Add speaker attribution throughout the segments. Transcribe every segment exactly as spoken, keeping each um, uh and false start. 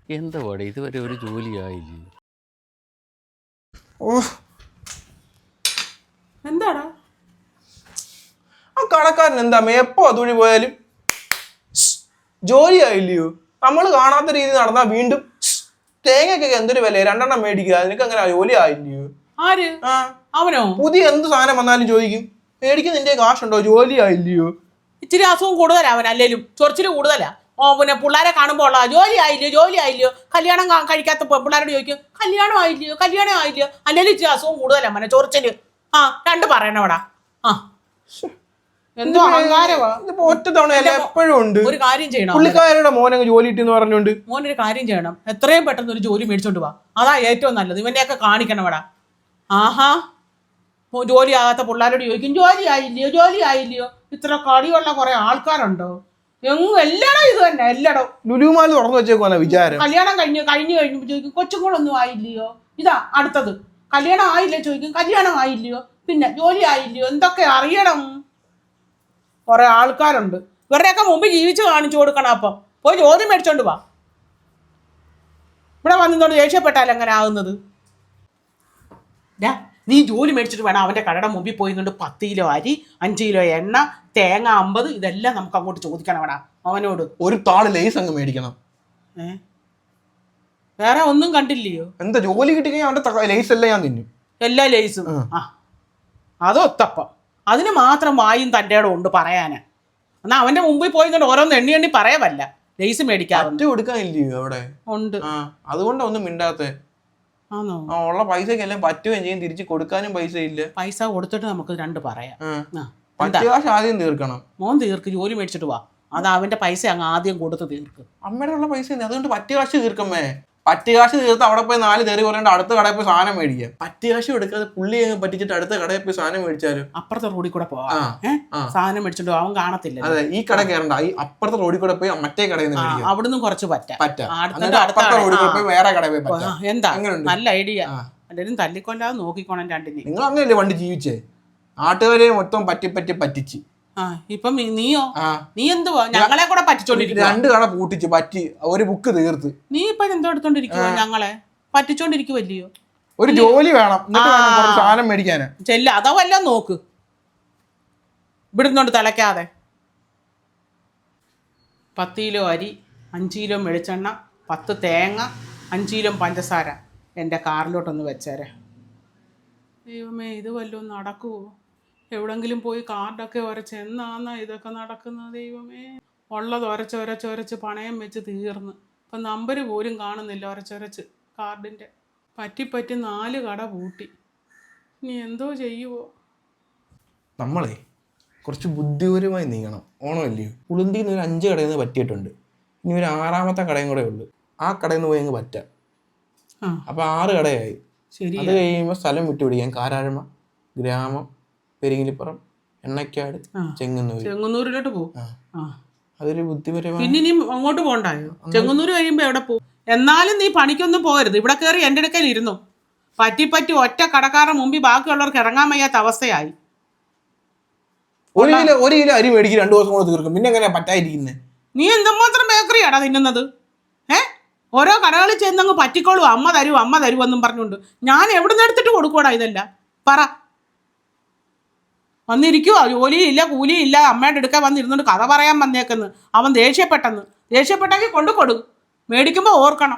Speaker 1: എന്താ പാടെ ഇതുവരെ ഒരു ജോലിയായില്ലേ?
Speaker 2: ഓ
Speaker 3: എന്താടാ
Speaker 2: ആ കടക്കാരൻ എന്താ എപ്പോ അതുവഴി പോയാലും ജോലി ആയില്ലയോ? നമ്മൾ കാണാത്ത രീതി നടന്നാ വീണ്ടും തേങ്ങയ്ക്കൊക്കെ എന്തൊരു വില, രണ്ടെണ്ണം മേടിക്കുക, നിനക്ക് അങ്ങനെ ജോലി ആയില്ലയോ?
Speaker 3: ആര്?
Speaker 2: ആ
Speaker 3: അവനോ?
Speaker 2: പുതിയ എന്ത് സാധനം വന്നാലും ചോദിക്കും മേടിക്കുന്ന നിന്റെ കാശുണ്ടോ, ജോലി ആയില്ലയോ?
Speaker 3: ഇച്ചിരി അസുഖം കൂടുതലാ അവൻ, അല്ലേലും ചൊറിച്ചില് കൂടുതലാ. ഓ പിന്നെ പിള്ളേരെ കാണുമ്പോൾ ഉള്ള ജോലി ആയില്ലയോ ജോലി ആയില്ലയോ, കല്യാണം കഴിക്കാത്ത പിള്ളേരോട് ചോദിക്കും കല്യാണം ആയില്ലയോ കല്യാണം ആയില്ലയോ, അല്ലേലും ഇച്ചിരി അസുഖം കൂടുതലാ അവനെ, ചൊറിച്ചില്. ആ രണ്ട് പറയണവടാ. ആ എന്തോ അഹങ്കാരവാ.
Speaker 2: ഒറ്റ തവണ എപ്പോഴും ഉണ്ട്.
Speaker 3: ഒരു കാര്യം ചെയ്യണം,
Speaker 2: പുള്ളിക്കാരുടെ മോനങ്ങ് ജോലി കിട്ടിയെന്ന് പറഞ്ഞോണ്ട്
Speaker 3: മോനൊരു കാര്യം ചെയ്യണം, എത്രയും പെട്ടെന്ന് ഒരു ജോലി മേടിച്ചോണ്ട് പോവാ, അതാ ഏറ്റവും നല്ലത്. ഇവനെയൊക്കെ കാണിക്കണവടാ. ആഹാ ജോലി ആകാത്ത പിള്ളേരോട് ചോദിക്കും ജോലി ആയില്ലയോ ജോലി ആയില്ലയോ. ഇത്ര കളിയുള്ള കുറെ ആൾക്കാരുണ്ടോ എങ്ങും? എല്ലാടോ ഇത് തന്നെ, എല്ലാടോ
Speaker 2: ലുലുമാൽ തുറന്നു വെച്ചേക്കുവാ വിചാരം.
Speaker 3: കല്യാണം കഴിഞ്ഞ് കഴിഞ്ഞു കഴിഞ്ഞു ചോദിക്കും കൊച്ചുങ്ങളൊന്നും ആയില്ലയോ. ഇതാ അടുത്തത്, കല്യാണം ആയില്ലേ ചോദിക്കും കല്യാണം ആയില്ലയോ, പിന്നെ ജോലി ആയില്ലയോ. എന്തൊക്കെ അറിയണം, കുറെ ആൾക്കാരുണ്ട്. ഇവരുടെയൊക്കെ മുമ്പ് ജീവിച്ച് കാണിച്ചു കൊടുക്കണം. അപ്പം പോയി ജോലി മേടിച്ചോണ്ട് വാ. ഇവിടെ വന്നിട്ടോണ്ട് ദേഷ്യപ്പെട്ടാൽ എങ്ങനെ ആകുന്നത്? നീ ജോലി മേടിച്ചിട്ട് വേണം അവൻ്റെ കടയുടെ മുമ്പിൽ പോയി കൊണ്ട് പത്ത് കിലോ അരി, അഞ്ച് കിലോ എണ്ണ, തേങ്ങ അമ്പത്, ഇതെല്ലാം നമുക്ക് അങ്ങോട്ട് ചോദിക്കണം വേടാ അവനോട്.
Speaker 2: ഒരു താള് ലേസ് അങ്ങ് മേടിക്കണം.
Speaker 3: ഏ വേറെ ഒന്നും കണ്ടില്ലയോ?
Speaker 2: എന്താ ജോലി കിട്ടിക്കഴിഞ്ഞാൽ അവന്റെ ലേസ് എല്ലാം ഞാൻ തിന്നും, എല്ലാ
Speaker 3: ലേസും. ആ അതൊത്തപ്പം അതിന് മാത്രം വായും തൻ്റെ ഇടം ഉണ്ട് പറയാന്. എന്നാൽ അവന്റെ മുമ്പിൽ പോയി കൊണ്ട് ഓരോന്ന് എണ്ണി എണ്ണി പറയാവല്ല ലേസ് മേടിക്കാറുണ്ട്.
Speaker 2: കൊടുക്കാനില്ലയോ അവിടെ? ഉണ്ട്. അതുകൊണ്ടാ ഒന്നും മിണ്ടാത്തെ.
Speaker 3: ആണോ?
Speaker 2: ആ ഉള്ള പൈസക്ക് എല്ലാം പറ്റുകയും ചെയ്യും, തിരിച്ച് കൊടുക്കാനും പൈസ ഇല്ല.
Speaker 3: പൈസ കൊടുത്തിട്ട് നമുക്ക് രണ്ട് പറയാം.
Speaker 2: പത്ത് കാശ് ആദ്യം തീർക്കണം.
Speaker 3: മോൻ തീർക്ക്, ജോലി മേടിച്ചിട്ട് വാ. അത് അവന്റെ പൈസ അങ്ങ് ആദ്യം കൊടുത്ത് തീർക്ക്.
Speaker 2: അമ്മയുടെ ഉള്ള പൈസ അതുകൊണ്ട് പറ്റ് കാശ് തീർക്കമ്മേ. പറ്റ് കാശ് തീർത്ത് അവിടെ പോയി നാല് തെറി പറയേണ്ട അടുത്ത കടയിൽ പോയി സാധനം മേടിക്കാം. പറ്റ് കാശ് എടുക്കാതെ പുള്ളി അങ്ങ് പറ്റിച്ചിട്ട് അടുത്ത കടയിൽ പോയി സാധനം മേടിച്ചാലും
Speaker 3: അപ്പുറത്തെ റോഡിൽ കൂടെ പോവാ. സാധനം മേടിച്ചിട്ട് അവൻ കാണത്തില്ല.
Speaker 2: അതെ, ഈ കട കയറണ്ട, ഈ അപ്പുറത്തെ റോഡിൽ കൂടെ പോയി മറ്റേ കടയിൽ നിന്ന്
Speaker 3: അവിടുന്ന് കുറച്ച് പറ്റാം.
Speaker 2: വേറെ കടയിൽ പോയി.
Speaker 3: എന്താ നല്ല ഐഡിയ. എല്ലാരും തല്ലിക്കൊല്ലാതെ നോക്കിക്കോണം രണ്ടിനെ.
Speaker 2: നിങ്ങൾ അങ്ങനെയല്ലേ പണ്ട് ജീവിച്ചേ? നാട്ടുകാരെ മൊത്തം പറ്റി പറ്റി പറ്റിച്ച്.
Speaker 3: ആ ഇപ്പം നീയോ? നീ എന്തുവാ ഞങ്ങളെ കൂടെ പറ്റിച്ചോണ്ടിരിക്കുക?
Speaker 2: രണ്ട് കട പൂട്ടിച്ച് പറ്റി ഒരു ബുക്ക് തീർത്ത്.
Speaker 3: നീ ഇപ്പൊ എന്തോ എടുത്തോണ്ടിരിക്കുവോ? ഞങ്ങളെ പറ്റിച്ചോണ്ടിരിക്കുവല്ലയോ?
Speaker 2: ഒരു ജോലി വേണം, സാധനം മേടിക്കാന്
Speaker 3: ചെല്ല. അതോ വല്ലതും നോക്ക്, ഇവിടുന്നോണ്ട് തിളയ്ക്കാതെ. പത്ത് കിലോ അരി, അഞ്ച് കിലോ വെളിച്ചെണ്ണ, പത്ത് തേങ്ങ, അഞ്ച് കിലോ പഞ്ചസാര എൻ്റെ കാറിലോട്ടൊന്ന് വെച്ചേരെ. ദൈവമേ, ഇത് വല്ലതും നടക്കുവോ? എവിടെങ്കിലും പോയി കാർഡൊക്കെ ഉരച്ച് എന്നാന്നാ ഇതൊക്കെ നടക്കുന്നത്? ദൈവമേ, ഉള്ളത് ഉരച്ച് ഉരച്ച് ഉരച്ച് പണയം വെച്ച് തീർന്ന് ഇപ്പം നമ്പർ പോലും കാണുന്നില്ല ഉരച്ചുരച്ച് കാർഡിൻ്റെ. പറ്റിപ്പറ്റി നാല് കട പൂട്ടി. ഇനി എന്തോ ചെയ്യുവോ?
Speaker 2: നമ്മളെ കുറച്ച് ബുദ്ധിപരമായി നീങ്ങണം. ഓണമല്ലയോ? ഉളുന്തിയിൽ നിന്ന് ഒരു അഞ്ച് കടയിൽ നിന്ന് പറ്റിയിട്ടുണ്ട്. ഇനി ഒരു ആറാമത്തെ കടയും കൂടെ ഉള്ളു. ആ കടയിൽ നിന്ന് പോയി അങ്ങ് പറ്റാം. അപ്പം ആറ് കടയായി. ശരി, അത് കഴിയുമ്പോൾ സ്ഥലം വിട്ടുപിടിക്കാം. കാരാഴ്മ, ഗ്രാമം, പെരിങ്ങിലിപ്പുറം, എണ്ണക്കാട്, ചെങ്ങന്നൂർ.
Speaker 3: ചെങ്ങന്നൂരിലോട്ട് പോകും.
Speaker 2: അതൊരു ബുദ്ധിപരമാണ്.
Speaker 3: പിന്നെ നീ അങ്ങോട്ട് പോകണ്ടായോ? ചെങ്ങന്നൂർ കഴിയുമ്പോൾ എവിടെ പോകും? എന്നാലും നീ പണിക്കൊന്നും പോകരുത്. ഇവിടെ കയറി എൻ്റെ അടുക്കൽ ഇരുന്നു. പറ്റിപ്പറ്റി ഒറ്റ കടക്കാരുടെ മുമ്പിൽ ബാക്കിയുള്ളവർക്ക് ഇറങ്ങാൻ വയ്യാത്ത അവസ്ഥയായി.
Speaker 2: ഒരു കിലോ ഒരു കിലോ അരി മേടിക്കും, രണ്ടു ദിവസം കൊണ്ട് തീർക്കും. പിന്നെ എങ്ങനെയാ പറ്റാതിരിക്കുന്നത്?
Speaker 3: നീ എന്തുമാത്രം ബേക്കറിയാടാ തിന്നുന്നത്? ഏ ഓരോ കടകളിൽ ചെന്നങ്ങ് പറ്റിക്കോളൂ. അമ്മ തരൂ അമ്മ തരൂ എന്നും പറഞ്ഞുകൊണ്ട് ഞാൻ എവിടെ നിന്ന് എടുത്തിട്ട് കൊടുക്കൂടാ ഇതല്ല? പറ. വന്നിരിക്കുവോ? ജോലിയില്ല കൂലിയില്ല, അമ്മയുടെ എടുക്കാൻ വന്നിരുന്നുകൊണ്ട് കഥ പറയാൻ വന്നേക്കെന്ന്. അവൻ ദേഷ്യപ്പെട്ടെന്ന്. ദേഷ്യപ്പെട്ടെങ്കിൽ കൊണ്ടു കൊടു. മേടിക്കുമ്പോൾ ഓർക്കണം.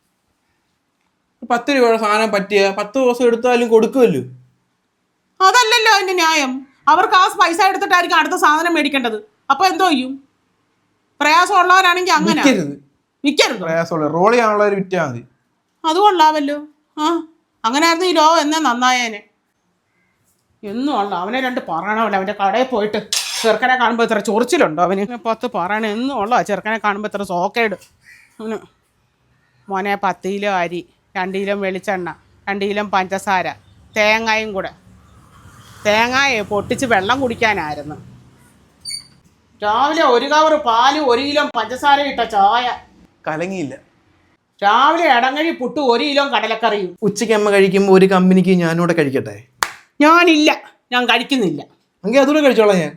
Speaker 2: പത്ത് രൂപയുടെ സാധനം പറ്റിയ പത്ത് ദിവസം എടുത്താലും കൊടുക്കുമല്ലോ.
Speaker 3: അതല്ലല്ലോ അതിൻ്റെ ന്യായം. അവർക്ക് ആ പൈസ എടുത്തിട്ടായിരിക്കും അടുത്ത സാധനം മേടിക്കേണ്ടത്. അപ്പോൾ എന്തോ ചെയ്യും? പ്രയാസമുള്ളവരാണെങ്കിൽ അങ്ങനെ വിൽക്കരുത്.
Speaker 2: പ്രയാസമുള്ള റോൾ ചെയ്യാനുള്ളവർ വിറ്റാൽ മതി.
Speaker 3: അത് കൊള്ളാമല്ലോ. ആ അങ്ങനെ ആയിരുന്നു ഈ ലോകം എന്നേ നന്നായേനെ. എന്നും ഉള്ള അവനെ രണ്ട് പറയണമല്ലോ. അവൻ്റെ കടയിൽ പോയിട്ട് ചെറുക്കനെ കാണുമ്പോൾ ഇത്ര ചൊറിച്ചിലുണ്ടോ അവന്? പത്ത് പറയണം എന്നും ഉള്ള ചെറുക്കനെ കാണുമ്പോൾ ഇത്ര സോക്കേട് അവന്. മോനെ പത്ത് കിലോ അരി, രണ്ട് കിലോ വെളിച്ചെണ്ണ, രണ്ട് കിലോ പഞ്ചസാര, തേങ്ങയും കൂടെ. തേങ്ങയെ പൊട്ടിച്ച് വെള്ളം കുടിക്കാനായിരുന്നു. രാവിലെ ഒരു കവർ പാല്, ഒരു കിലോ പഞ്ചസാര ഇട്ട ചായ.
Speaker 2: കലങ്ങിയില്ല.
Speaker 3: രാവിലെ ഇടങ്ങഴി പുട്ട്, ഒരു കിലോ കടലക്കറിയും.
Speaker 2: ഉച്ചയ്ക്ക് അമ്മ കഴിക്കുമ്പോൾ ഒരു കമ്പനിക്ക് ഞാനൂടെ കഴിക്കട്ടെ?
Speaker 3: ഞാനില്ല, ഞാൻ കഴിക്കുന്നില്ല.
Speaker 2: എങ്കിൽ അതുകൂടെ കഴിച്ചോളാം ഞാൻ.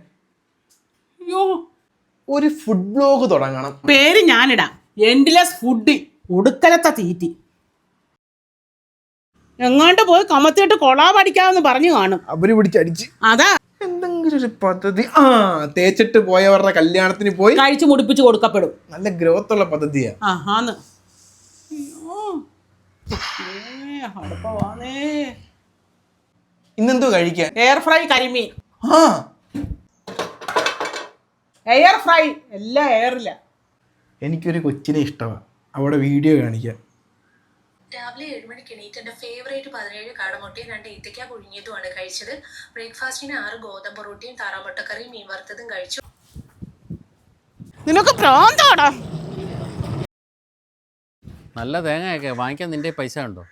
Speaker 3: അയ്യോ,
Speaker 2: ഒരു ഫുഡ് ബ്ലോഗ് തുടങ്ങണം.
Speaker 3: പേര് ഞാനിടാം, എൻഡ്ലെസ് ഫുഡ്. ഒടുക്കലത്തെ തീറ്റി. എങ്ങാണ്ട് പോയി കമത്തിയിട്ട് കൊളാ പഠിക്കാമെന്ന് പറഞ്ഞു കാണും.
Speaker 2: അവര് പിടിച്ചടിച്ച്
Speaker 3: അതാ
Speaker 2: എന്തെങ്കിലും ഒരു പദ്ധതി. ആ തേച്ചിട്ട് പോയവരുടെ കല്യാണത്തിന് പോയി
Speaker 3: കഴിച്ചു മുടിപ്പിച്ച് കൊടുക്കപ്പെടും.
Speaker 2: നല്ല ഗ്രോത്ത് ഉള്ള പദ്ധതിയാ.
Speaker 3: ആ ആന്ന്. അടുപ്പവാന്നേ.
Speaker 2: ഇന്നെന്തോ കഴിക്കാൻ?
Speaker 3: എയർ ഫ്രൈ കരിമീൻ.
Speaker 2: ആ
Speaker 3: എയർ ഫ്രൈ എല്ലാം എയറില്ല.
Speaker 2: എനിക്കൊരു കൊച്ചിനെ ഇഷ്ടമാണ്, അവിടെ വീഡിയോ കാണിക്കാം.
Speaker 4: രാവിലെ ഏഴ് മണിക്ക് എണീറ്റ് എൻ്റെ ഫേവറേറ്റ് പതിനേഴ് കാടമുട്ടയും രണ്ട് ഈത്തയ്ക്ക പുഴുങ്ങിയതുമാണ് കഴിച്ചത്. ബ്രേക്ക്ഫാസ്റ്റിന് ആറ് ഗോതമ്പ് റൊട്ടിയും താറാമുട്ടക്കറിയും മീൻ വറുത്തതും കഴിച്ചു.
Speaker 3: നിനക്ക് പ്രാന്താടാ.
Speaker 1: നല്ല തേങ്ങയൊക്കെ വാങ്ങിക്കാൻ നിന്റെ പൈസ ഉണ്ടോ?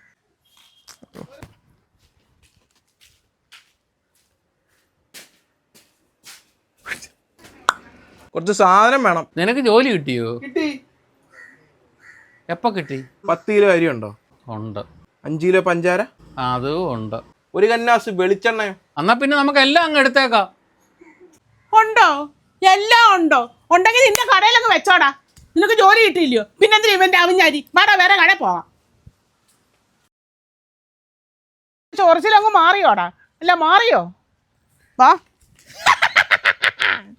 Speaker 2: കുറച്ച് സാധനം വേണം.
Speaker 1: നിനക്ക് ജോലി കിട്ടിയോ?
Speaker 2: കിട്ടി.
Speaker 1: എപ്പോ കിട്ടി?
Speaker 2: പത്ത് കിലോ അരി ഉണ്ടോ?
Speaker 1: ഉണ്ട്.
Speaker 2: അഞ്ച് കിലോ പഞ്ചാര?
Speaker 1: അതും ഉണ്ട്.
Speaker 2: ഒരു കന്നാസ് വെളിച്ചെണ്ണയോ?
Speaker 1: എന്നാ പിന്നെ നമുക്ക് എല്ലാം അങ്ങ് എടുത്തേക്കാം.
Speaker 3: ഉണ്ടോ? എല്ലാം ഉണ്ടോ? ഉണ്ടെങ്കിൽ നിന്റെ കടയിലങ്ങ് വെച്ചോടാ. നിനക്ക് ജോലി കിട്ടിയില്ലയോ? പിന്നെന്തിനാ ഇവന്റെ അവിഞ്ഞാരി? വേറെ വേറെ കട പോവാം. ചൊറിച്ചിലങ്ങ് മാറിയോടാ? അല്ല മാറിയോ? വാ.